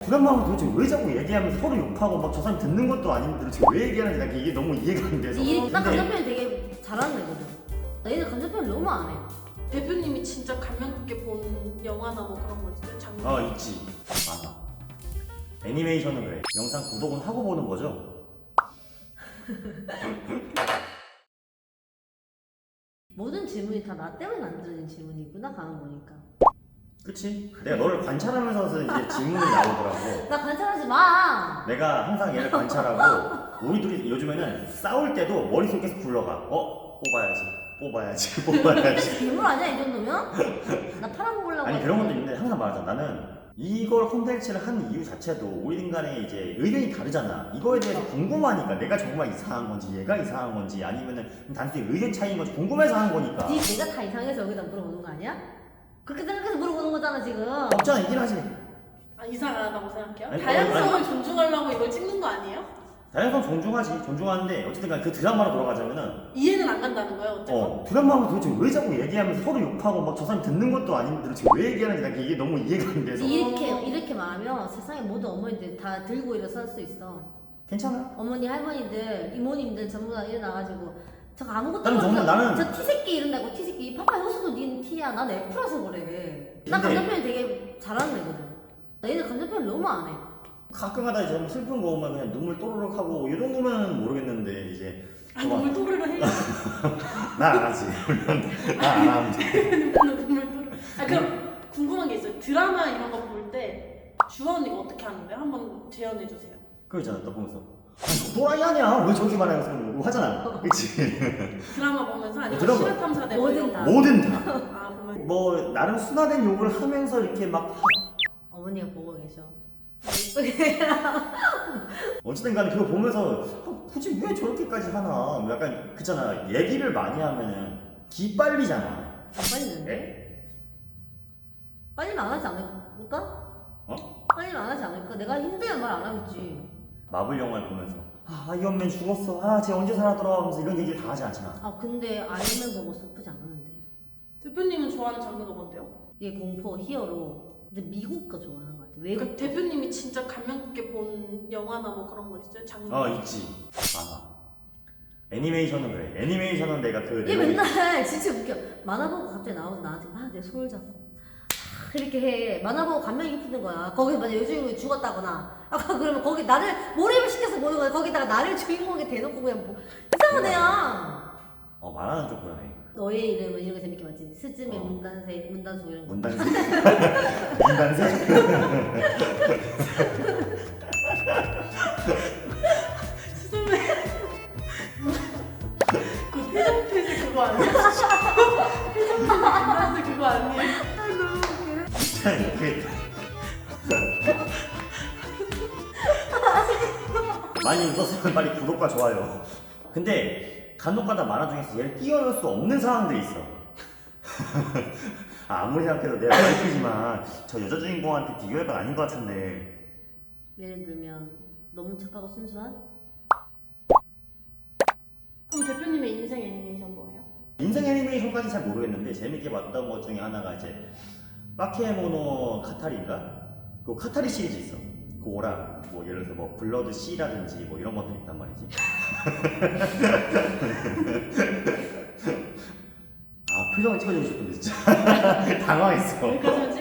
드라마는 도대체 왜 자꾸 얘기하면서 서로 욕하고 막 저 사람 듣는 것도 아닌데 도대체 왜 얘기하는지 난 이게 너무 이해가 안 돼서. 나 감정 표현 되게 잘하는 애거든. 나 얘는 감정 표현 너무 안 해. 대표님이 진짜 감명 깊게 본 영화나 뭐 그런 거 있어요? 장면? 있지. 많아. 애니메이션은 그래. 영상 구독은 하고 보는 거죠? 모든 질문이 다 나 때문에 만들어진 질문이구나 가만 보니까. 그치? 내가 너를 관찰하면서 이제 질문이 나오더라고. 나 관찰하지 마. 내가 항상 얘를 관찰하고 우리 둘이 요즘에는 싸울 때도 머릿속에 계속 굴러가. 뽑아야지. 괴물 아니야 이 정도면? 나 팔아먹으려고. 아니 그런 것도 있는데 항상 말하잖아. 나는 이걸 콘텐츠를 한 이유 자체도 우리 간에 이제 의견이 다르잖아. 이거에 대해서 궁금하니까 내가 정말 이상한 건지 얘가 이상한 건지 아니면은 단순히 의견 차이인 건지 궁금해서 하는 거니까. 내가 다 이상해서 여기다 물어보는 거 아니야? 그렇게 생각해서 물어보는 거잖아 지금. 없잖아 이긴 하지. 아, 이상하다고 생각해요? 아니, 다양성을 존중하려고 이걸 찍는 거 아니에요? 다양성 존중하는데 어쨌든 간에 그 드라마로 돌아가자면은 이해는 안 간다는 거예요, 어쨌든? 드라마는 도대체 왜 자꾸 얘기하면서 서로 욕하고 막 저 사람 듣는 것도 아닌데 도대체 왜 얘기하는지 난 이게 너무 이해가 안 돼서. 이렇게 말하면 세상에 모든 어머니들 다 들고 일어설 수 있어. 괜찮아? 어머니 할머니들 이모님들 전부 다 일어나가지고 저 아무것도 나는 정말 나는 저 티새끼 이런다고 티새끼 파파 효수도 닌 티야. 난 F라서 그래. 나 근데- 감정 표현 되게 잘하는 애거든. 나 얘는 감정 표현 너무 안 해. 가끔가다 이제 뭐 슬픈 거 오면 그냥 눈물 또르륵 하고 이 정도면 모르겠는데 이제 아, 눈물 또르르 해요. 나 안 하지. 나 안 하면 돼. 눈물 또르르. 아, 그럼 궁금한 게 있어요. 드라마 이런 거 볼 때 주아 언니가 어떻게 하는데요? 한번 재현해 주세요. 그거 있잖아 너 보면서 아니 또라이 아니야 왜 저렇게 말하면서 그러고 하잖아. 그치? 드라마 보면서 아니면 드라마. 실화탐사대 뭐든 다. 뭐든 다. 아, 보면 뭐 나름 순화된 욕을 하면서 이렇게 막 어머니가 보고 계셔. 이쁘게 어쨌든 간에 그거 보면서 굳이 왜 저렇게까지 하나 약간 그잖아. 얘기를 많이 하면은 기빨리잖아. 안 빨리는데? 빨리면 안 하지 않을까? 빨리면 안 하지 않을까? 내가 힘들면 말 안 하겠지. 마블 영화를 보면서 아이언맨 죽었어. 쟤 언제 살아 돌아오면서 이런 얘기를 다 하지 않잖아. 근데 아이언맨 보고 슬프지 않았는데. 대표님은 좋아하는 장르가 뭔데요? 얘 공포 히어로. 근데 미국 거 좋아하는 것 같아. 그러니까 외국. 대표님이 진짜 감명 깊게 본 영화나 뭐 그런 거 있어요? 장르? 있지. 많아. 애니메이션은 그래. 애니메이션은 내가 얘 맨날 진짜 웃겨. 만화 보고 갑자기 나와서 나한테 내 손을 잡고 이렇게 해. 만화 보고 감명 깊는 거야. 거기서 만약 여주인공이 죽었다거나 그러면 거기 나를 몰입을 시켜서 보는 거야. 거기다가 나를 주인공에 대놓고 그냥 뭐 이상한 애야. 만화는 좀 그러네. 너의 이름은 이런 거 재밌게 봤지. 스즈메 어. 문단소 이런 거. 문단세. 문단세? 스즈메 그 태정태세 그거 아니야? 태정태세 그거 아니에요? 진짜 이렇게 많이 웃었으면 빨리 구독과 좋아요. 근데 간혹가다 만화 중에서 얘를 띄워놓을 수 없는 상황들이 있어. 아무리 생각해도 내가 와이프지만 저 여자 주인공한테 비교할 건 아닌 것 같은데. 예를 들면 너무 착하고 순수한? 그럼 대표님의 인생 애니메이션 뭐예요? 인생 애니메이션까지 잘 모르겠는데 재밌게 봤던 것 중에 하나가 이제 바케모노 카타리인가? 그 카타리 시리즈 있어. 그거랑 뭐 예를 들어서 뭐 블러드 C라든지 뭐 이런 것들이 있단 말이지. 표정을 찍어주고 싶은데 진짜 당황했어. 여기까지만